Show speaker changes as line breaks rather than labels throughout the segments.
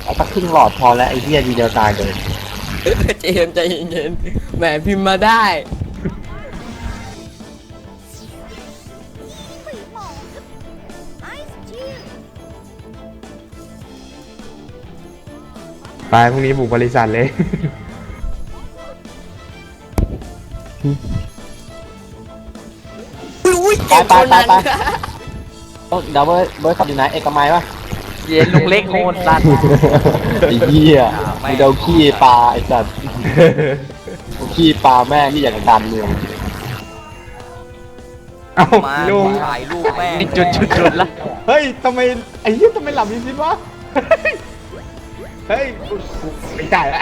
เอาสักครึ่งหลอดพอแล้วไอ้เหี้ยทีเดียวตายเลย
เจมส์ใจเย็นๆแหมพิมพ์มาได้
ไปพรุ่งนี้บุกบริษัทเลย
อุ้ย
ไปไปไปไปต้องเดี๋ยวเบิร์ดขับอยู่ไหนเอกมัยปะ
เย็นลุงเล็กโหดสัตว์
ไอ้เหี้ยมีเดาขี้ปลาไอ้สัตว์ขี้ปลาแม่งที่อยากจะดันเมือง
เอ้า
มา
ลุง
ถ่ายรูปแม่ง
นี่จุดละ
เฮ้ยทำไมไอ้เหี้ยทำไมหลับอยู่สิวะเฮ้ยไม่จ่ายละ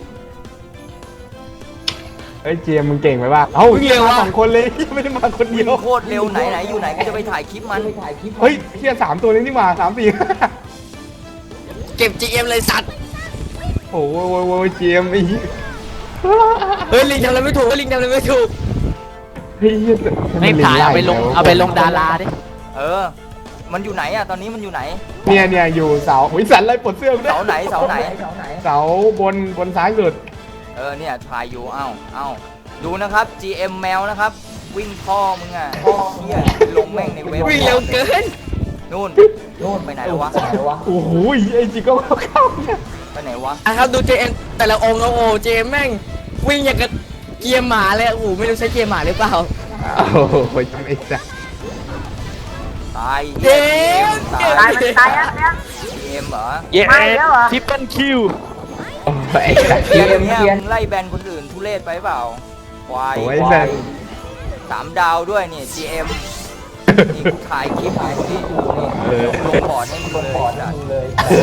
เฮ้ยเจมส์มึงเก่งไหมวะเอ้าเฮียมาสองคนเลยไม่ได้มาคนเดี
วิ่
ยว
งโคตรเร็วไหนอยู่ไหนก็จะไปถ่ายคลิปมัน
เฮ้ยเฮีย3 ตัวนี้นี่หว่า3 4
เก็บ GM เลยสัตว์
โอ้โหเจมส์ไอ้เหี้ย
เฮ้ยลิงทำอะไรไม่ถูกลิงทำอะไรไม่ถูก
เฮ้ยเหี้ย
ไม่ถ่ายเอาไปลงดาราดิ
เออ มันอยู่ไหนอะตอนนี้มันอยู่ไหน
เนี่ยอยู่เสาอุ้ยสันไล่ปลดเสื้อกูด้วย
เสาไหนเสาไหน
เสาบนซ้ายสุด
เออเนี่ยถ่ายอยู่เอ้าดูนะครับ GM แมวนะครับ วิ่งพ่อมึงอ่ะเฮียลงแม่งในเว็บ
วิ่งเร็วเกิน
นู่นไปไหนแล้ววะ
โอ้โหไอ้จิโก้เข้าเนี่ย
ไปไหนวะ
อ่ะครับดู JM แต่ละองค์โอ้โห JM แม่งวิ่งอย่างกับเกียร์หมาเลยโอ้โหไม่รู้ใช้เกียร์หมาหรือเปล่า
โอ้โหทำไอ้สัส
ตาย
เจมส์
ตาย
ตายแล้ว
GM เหรอ
เย้ทิปเปิลคิว
โอ้ไอ้สัส
เกมเนี่ยมึงไล่แบนคนอื่นทุเรศไปเปล่าควาย
โอ้ยแบน
3 ดาวด้วยนี่ GM นี่กูถ่ายคลิปอยู่นี่ดูนี่ลงบอร์ดให้มึงเลย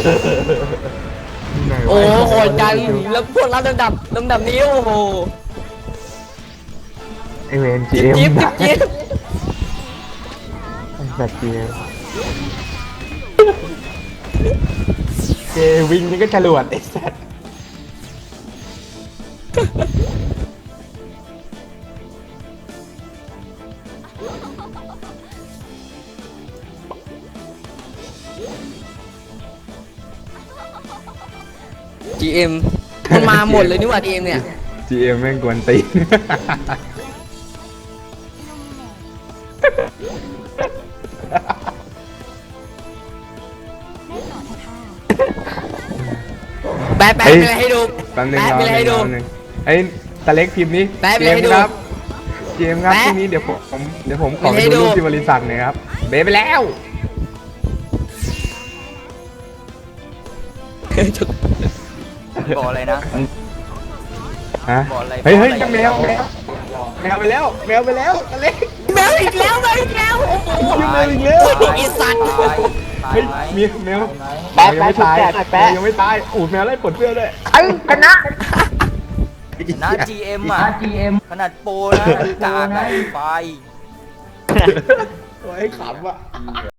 โอ้โหโหดจังแล้วพวกรับลำดับนี้โอ้โห
ไอเวนจี
จิ๊บ
เอ็ม
จิ๊บจิ๊บ
ไอ้สัสเจเจวิ่งนี่ก็ฉลวดไอ้สัส
GM มันมาหมดเลยนี่หว่า GM เนี่ย
จีเอ็มแม่งกวนตีน
แปะไปเลยให้ดู
แป๊บนึง
แปะ
รอ
ไปเลยให้ดู
แป๊บนึงไอ้ตาเล็กพิมพ์นี้
แป๊บ
เจ
เลย
ม
ให้
ส์
ดู
ครับเจมส์ครับ
แป๊บ
ที่นี้เดี๋ยวผมขอ
ไม่
ไป
ให้
ดู
ดู
รูปที่บริษัทหน่อยครับเบไปแล้ว
บอกอะไรนะ
ฮะ
บอกอะไร
เฮ้ย
บอกอะไร
แมวไปแล้วแมวไปแล้วตาเล็ก
แมวอีกแล้วแมวอีกแล้วโอ้โห
ยังแมวอีกแล้ว
ไอ้สัตว์
ตาย
เฮ้ย
ไหม
มีแมว
แป๊ะ
ยังไม่ตาย
แป๊ะแป๊ะ
แมวยังไม่ตายอูดแมวไล่ปลดเสื้อด้วย
นะ GM อ่ะขนาดโปรนะกากไอ้ไฟ
โอ้ยขำอ่ะ